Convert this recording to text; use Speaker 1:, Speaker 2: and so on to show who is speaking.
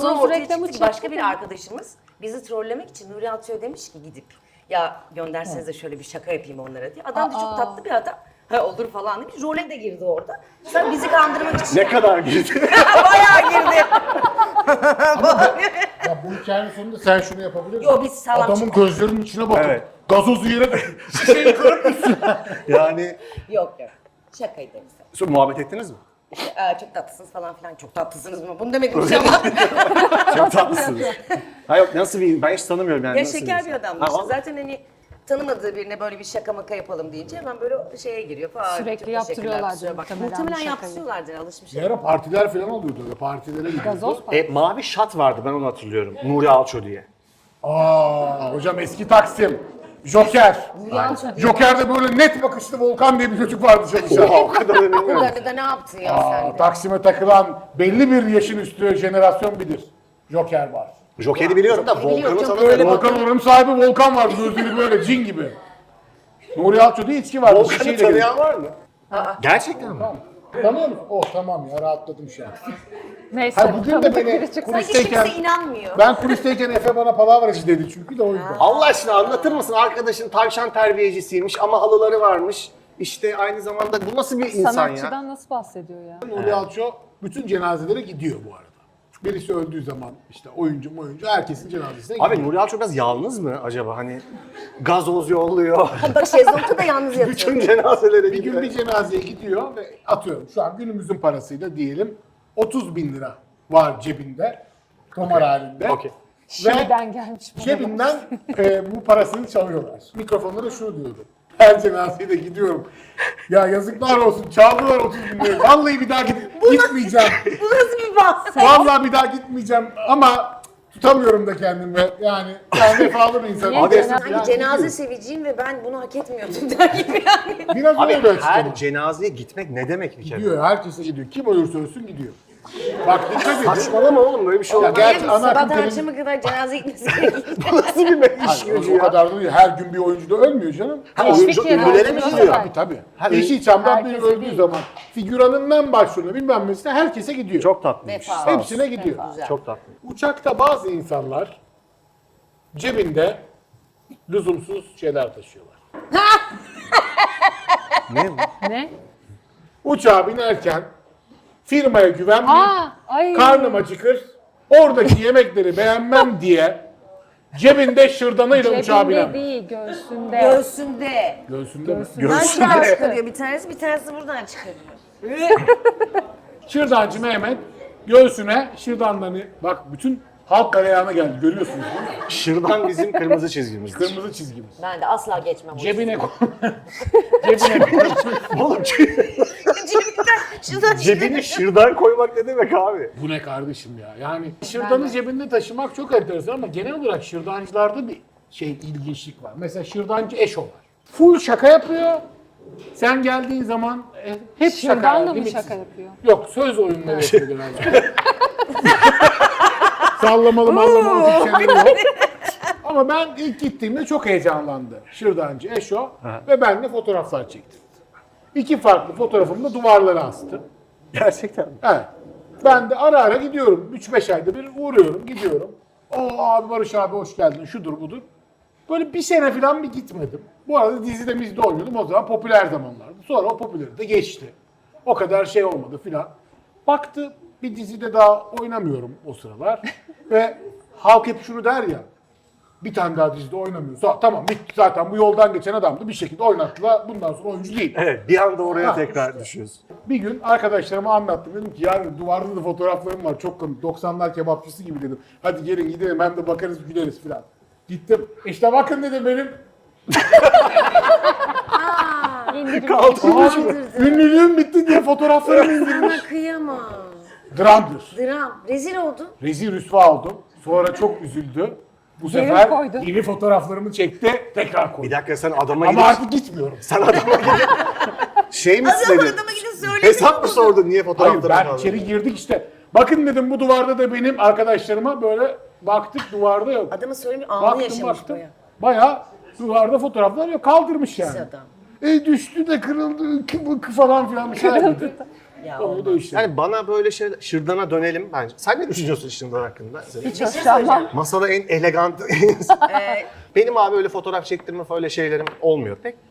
Speaker 1: Gazoz
Speaker 2: ortaya
Speaker 1: reklamı
Speaker 2: çıktı ki başka
Speaker 1: çıktı
Speaker 2: bir
Speaker 1: mı?
Speaker 2: arkadaşımız bizi trollemek için Nuri Alço'ya demiş ki gidip ya gönderseniz de şöyle bir şaka yapayım onlara diye. Adam da çok tatlı bir adam. Ha olur falan demiş. Role de girdi orada. Sen bizi kandırmak için.
Speaker 3: Ne kadar girdi?
Speaker 2: Bayağı girdi.
Speaker 4: Ya bu hikayenin sonunda sen şunu yapabilir misin?
Speaker 2: Yo, biz sağlam
Speaker 4: Adamın
Speaker 2: çıktık.
Speaker 4: gözlerinin içine bakıp
Speaker 3: Evet.
Speaker 4: gazozu yere şişeyi kırıp
Speaker 3: Yani
Speaker 2: Yok yok. Şakaydı bize.
Speaker 3: sonra muhabbet ettiniz mi?
Speaker 2: Çok tatlısınız falan filan. Çok tatlısınız mı? Bunu demedim inşallah.
Speaker 3: Çok tatlısınız. Ha yok nasıl bir ben hiç tanımıyorum yani.
Speaker 2: Ya
Speaker 3: nasıl
Speaker 2: şeker bir
Speaker 3: insan?
Speaker 2: adamdı
Speaker 3: Ha,
Speaker 2: işte.
Speaker 3: vallahi.
Speaker 2: Zaten hani tanımadığı birine böyle bir şaka maka yapalım deyince hemen böyle şeye giriyor falan.
Speaker 1: Sürekli
Speaker 2: Çok teşekkürler,
Speaker 1: yaptırıyorlardır
Speaker 2: kusura bakma.
Speaker 1: muhtemelen
Speaker 2: Muhtemelen
Speaker 1: bu şakayı.
Speaker 2: yaptırıyorlardır alışmış.
Speaker 4: Bir ara partiler falan oluyordu öyle partilere gidiyordu.
Speaker 1: Gazoz var.
Speaker 3: Mavi şat vardı ben onu hatırlıyorum. Nuri Alço diye.
Speaker 4: Hocam eski Taksim. Joker. Joker'de böyle net bakışlı Volkan diye bir çocuk vardı çalışan.
Speaker 3: Oha o kadar da bilmiyorum.
Speaker 2: Bunları da ne yaptın ya sen de?
Speaker 4: Taksim'e takılan belli bir yaşın üstü jenerasyon bilir. Joker var.
Speaker 3: Joker'i biliyorum da
Speaker 2: Biliyorum,
Speaker 3: Volkan'ı
Speaker 2: çok
Speaker 3: tanımıyorum.
Speaker 2: böyle
Speaker 4: Volkan oranın sahibi Volkan var. Gözleri böyle cin gibi. Nuri Alço'da içki vardı.
Speaker 3: Volkan'ı
Speaker 4: şişeyle geliyor.
Speaker 3: tanıyan var mı? Gerçekten mi?
Speaker 4: Tanıyor musun? Oh tamam ya rahatladım şu an.
Speaker 1: Neyse.
Speaker 4: Hayır bugün de
Speaker 1: tanıdık
Speaker 4: beni
Speaker 1: biri çıksa-
Speaker 2: Sanki
Speaker 4: kulisteyken,
Speaker 2: kimse inanmıyor.
Speaker 4: ben kulisteyken Efe bana palavracı dedi çünkü de o yüzden.
Speaker 3: Allah aşkına anlatır mısın? Arkadaşın tavşan terbiyecisiymiş ama halıları varmış. İşte aynı zamanda bu nasıl bir insan ya?
Speaker 1: Sanatçıdan nasıl bahsediyor ya?
Speaker 4: Nuri Alço bütün cenazelere gidiyor bu arada. Birisi öldüğü zaman işte oyuncu herkesin cenazesine gidiyor.
Speaker 3: Abi Nuri Alço biraz yalnız mı acaba? Hani gazoz yolluyor.
Speaker 2: Bak şezlongda da yalnız yatıyor.
Speaker 3: Bütün cenazelere
Speaker 4: bir gün
Speaker 3: gidiyor.
Speaker 4: bir cenazeye gidiyor ve atıyorum şu an günümüzün parasıyla diyelim 30 bin lira var cebinde. Tomar halinde.
Speaker 3: Okey.
Speaker 1: Şimdiden gelmiş bana.
Speaker 4: Cebinden bu parasını çalıyorlar. Mikrofonlara şunu diyordu. Her cenazeye de gidiyorum. Ya yazıklar olsun çaldılar 30 bin lirayı. Vallahi bir daha gitmeyeceğim.
Speaker 2: Bu nasıl bir bahs?
Speaker 4: Vallahi bir daha gitmeyeceğim ama tutamıyorum da kendimi. Yani ben vefalı bir insanım.
Speaker 1: Niye
Speaker 4: Hadi
Speaker 1: cenaze-
Speaker 2: Sanki cenaze seviciyim ve ben bunu hak etmiyordum der gibi yani.
Speaker 4: biraz
Speaker 3: Abi
Speaker 4: öyle
Speaker 3: her
Speaker 4: açıkladım.
Speaker 3: cenazeye gitmek ne demek bir kere?
Speaker 4: Gidiyor, herkese gidiyor. Kim ölürse ölsün gidiyor. Bak dikkat edin.
Speaker 3: Saçmalama oğlum böyle bir şey
Speaker 4: Ya
Speaker 3: olmaz.
Speaker 4: gerçi ana
Speaker 2: Sabahtan
Speaker 4: akım televizyon...
Speaker 2: akşama kadar cenaze gitmesi gerekiyor.
Speaker 3: Nasıl bir iş gücü
Speaker 4: O
Speaker 3: ya?
Speaker 4: kadar da değil. Her gün bir oyuncu da ölmüyor canım.
Speaker 3: Ha,
Speaker 1: Teşvik
Speaker 3: oyuncu
Speaker 1: ediyor,
Speaker 3: ünlülere mi
Speaker 1: oyunculara
Speaker 3: gidiyor?
Speaker 1: da.
Speaker 4: Tabii.
Speaker 3: Ha,
Speaker 4: Yeşilçam'dan biri
Speaker 1: herkese
Speaker 4: öldüğü
Speaker 1: değil.
Speaker 4: zaman figüranından başlığına bilmem nesine herkese gidiyor.
Speaker 3: Çok tatlıymış.
Speaker 2: Vefa.
Speaker 3: Sağ ol.
Speaker 4: Hepsine gidiyor.
Speaker 3: Çok tatlı.
Speaker 4: Uçakta bazı insanlar cebinde lüzumsuz şeyler taşıyorlar.
Speaker 3: Ne bu?
Speaker 1: Ne?
Speaker 4: Uçağa binerken firmaya güvenmeyip
Speaker 1: Ay.
Speaker 4: karnım acıkır, oradaki yemekleri beğenmem diye cebinde şırdanıyla uçağa biner.
Speaker 1: Cebinde değil, göğsünde.
Speaker 2: Göğsünde.
Speaker 4: Göğsünde mi?
Speaker 2: Buradan şuradan çıkarıyor bir tanesi buradan çıkarıyor.
Speaker 4: Şırdancı Mehmet göğsüne şırdanlarını, bak bütün halk galeyana geldi görüyorsunuz değil mi?
Speaker 3: Şırdan bizim kırmızı çizgimizdir.
Speaker 4: Kırmızı çizgimiz.
Speaker 2: Ben de asla geçmem o
Speaker 4: Cebine koy. Cebine koy.
Speaker 3: Oğlum
Speaker 2: Şuradan
Speaker 3: cebine şırdan koymak ne demek abi?
Speaker 4: Bu ne kardeşim ya? Yani şırdanı cebinde taşımak çok enteresan ama genel olarak şırdancılarda bir ilginçlik var. Mesela şırdancı Eşo var. Full şaka yapıyor. Sen geldiğin zaman hep şaka.
Speaker 1: Şırdanla mı
Speaker 4: limitsiz.
Speaker 1: şaka yapıyor?
Speaker 4: Yok söz oyunları yapıyor genelde. Sallamalı mallamalı bir şeyler yok. Ama ben ilk gittiğimde çok heyecanlandı. Şırdancı Eşo ve benimle fotoğraflar çekti. İki farklı fotoğrafımı da duvarlara astı.
Speaker 3: Gerçekten mi?
Speaker 4: Evet. Ben de ara ara gidiyorum. 3-5 ayda bir uğruyorum, gidiyorum. Abi Barış abi hoş geldin, şudur budur. Böyle bir sene falan bir gitmedim. Bu arada dizide mizde oynuyordum, o zaman popüler zamanlardı. Sonra o popüleri de geçti. O kadar şey olmadı filan. Baktı bir dizide daha oynamıyorum o sıralar. Ve halk hep şunu der ya, bir tane daha dizide oynamıyorsa tamam bitti zaten bu yoldan geçen adamdı bir şekilde oynattılar. Bundan sonra oyuncu değil.
Speaker 3: Evet bir anda oraya
Speaker 4: Ha,
Speaker 3: tekrar düşüyoruz.
Speaker 4: Bir gün arkadaşlarıma anlattım. Dedim ki yani duvarda da fotoğraflarım var çok komik. 90'lar kebapçısı gibi dedim. Hadi gelin gidelim hem de bakarız güleriz filan. Gittim. İşte bakın dedim benim.
Speaker 3: Kaldı.
Speaker 4: Ünlülüğüm bitti diye fotoğraflarımı indirmiş.
Speaker 2: Sana kıyamam.
Speaker 4: Dramdır.
Speaker 2: Dram. Rezil oldun.
Speaker 4: Rezil rüsva oldum. Sonra çok üzüldü. Bu
Speaker 1: Geri
Speaker 4: sefer
Speaker 1: koydu.
Speaker 4: yeni fotoğraflarımı çekti. Tekrar
Speaker 3: Bir
Speaker 4: koydu.
Speaker 3: dakika sen adama
Speaker 4: Ama
Speaker 3: gidip...
Speaker 4: artık gitmiyorum.
Speaker 3: Sen adama gidip... Şey mi
Speaker 2: Adam
Speaker 3: istedin?
Speaker 2: adama gidip söyledi.
Speaker 3: Hesap mı sordun niye
Speaker 4: Hayır
Speaker 3: fotoğrafları
Speaker 4: ben
Speaker 3: falan?
Speaker 4: içeri girdik işte. Bakın dedim bu duvarda da benim arkadaşlarıma böyle baktık duvarda yok.
Speaker 2: Adamı söylemiyor, anı
Speaker 4: Baktım
Speaker 2: yaşamış
Speaker 4: baktım.
Speaker 2: baya.
Speaker 4: Bayağı duvarda fotoğraflar yok. Kaldırmış yani.
Speaker 2: Pis adam.
Speaker 4: Düştü de kırıldı falan filan bir şeyler dedi.
Speaker 2: Ya
Speaker 4: O da işte.
Speaker 3: Yani bana böyle şey, Şırdan'a dönelim bence. Sen ne düşünüyorsun Şırdan hakkında?
Speaker 1: Hiç hoşlanmam.
Speaker 3: Masada en elegant. Benim abi öyle fotoğraf çektirme öyle şeylerim olmuyor pek.